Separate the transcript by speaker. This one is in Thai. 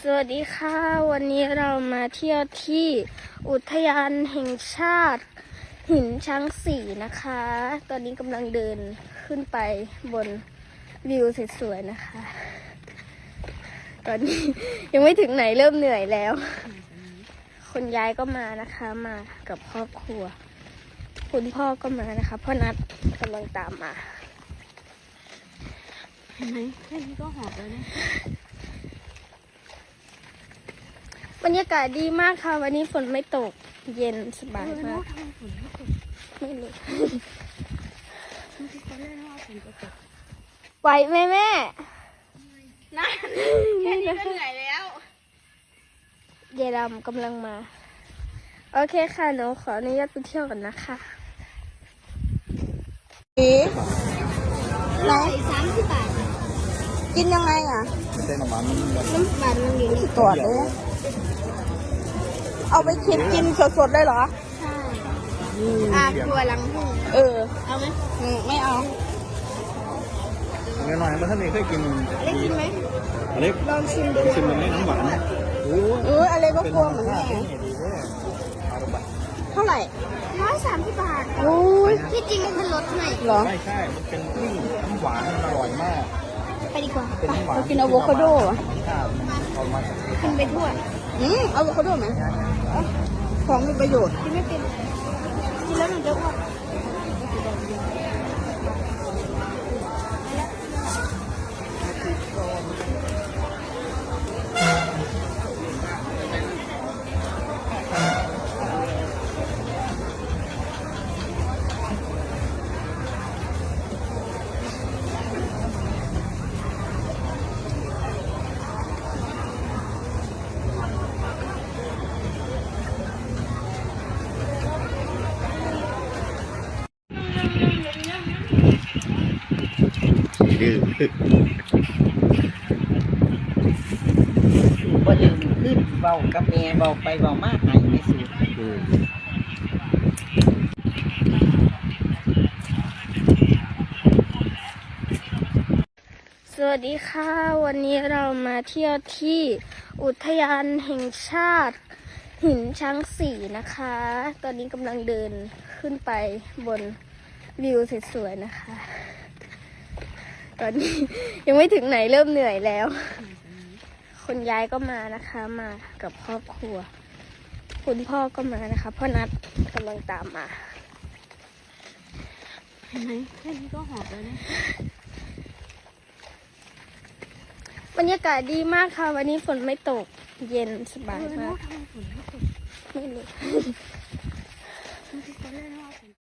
Speaker 1: สวัสดีค่ะวันนี้เรามาเที่ยวที่อุทยานแห่งชาติหินช้างศรีนะคะ ตอนนี้กำลังเดินขึ้นไปบนวิวสวยๆนะคะ ตอนนี้ยังไม่ถึงไหนเริ่มเหนื่อยแล้วคุณยายก็มานะคะมากับครอบครัวคุณพ่อก็มานะคะพ่อนัทกำลังตามมา
Speaker 2: เห็นไหมแค่นี้ก็หอบแล้วเนี่ย
Speaker 1: บรรยากาศดีมากค่ะวันนี้ฝนไม่ตกเย็นสบายมาก
Speaker 2: ทำไมฝนไม่ตก
Speaker 1: ไม่รู้
Speaker 2: ฉันคิดตอนแรกว่าฝนจะตก
Speaker 1: ไหวไหมแม่
Speaker 2: นั่นแค่นี้ก็เหนื่อยแล้ว
Speaker 1: เยายดำกำลังมาโอเคค่ะหนูขออนุญาตไปเที่ยวกันนะคะ
Speaker 2: ไหน30 บาท
Speaker 1: กินยังไงอ่ะ
Speaker 2: น้ำมันมันอยู่
Speaker 1: ตรวจเลยเอาไปคิดกินสดๆได้เหรอ
Speaker 2: ใช่ครัวลังหูเอาไหม
Speaker 1: ไม่เอา
Speaker 3: หน่อยมันท่านนี้เคยกิน
Speaker 2: เล็กกินไหม
Speaker 3: เล็ก
Speaker 1: ลองชิมดู
Speaker 3: ชิมมันไม่น้ำหวาน
Speaker 1: อะไรก็กลัวเหมือนแม่เท่าไหร่
Speaker 2: 130 บาทที่จริงมันเป็นรสไหน
Speaker 1: หรอ
Speaker 3: ใช่มันเป็นน้ำหวานอร่อยมาก
Speaker 2: ไปดีกว่า
Speaker 1: เรากินอะโวคาโด
Speaker 2: กินไปทั่ว
Speaker 1: อะโวคาโดไหมของมีประโยชน์
Speaker 2: กินไม่เป็นกินแล้วมันจะอ้วน
Speaker 3: ดื้อ
Speaker 4: บ่ลืมขึ้นเบากับแม่เบาไปเบามากหายไม่สุด
Speaker 1: สวัสดีค่ะวันนี้เรามาเที่ยวที่อุทยานแห่งชาติหินช้างศรีนะคะ ตอนนี้กำลังเดินขึ้นไปบนวิวสวยๆนะคะตอนนี้ยังไม่ถึงไหนเริ่มเหนื่อยแล้วคุณยายก็มานะคะมากับครอบครัวคุณพ่อก็มานะคะพ่อนัทกำลังตามมา
Speaker 2: เห็นไหมแค่นี้ก็หอบแล้วเนี่ย
Speaker 1: บรรยากาศดีมากค่ะวันนี้ฝนไม่ตกเย็นสบายมาก
Speaker 2: ทำไมฝนไม่ตก
Speaker 1: ไม่รู้
Speaker 2: ฉันคิดตอนแรกว่าฝน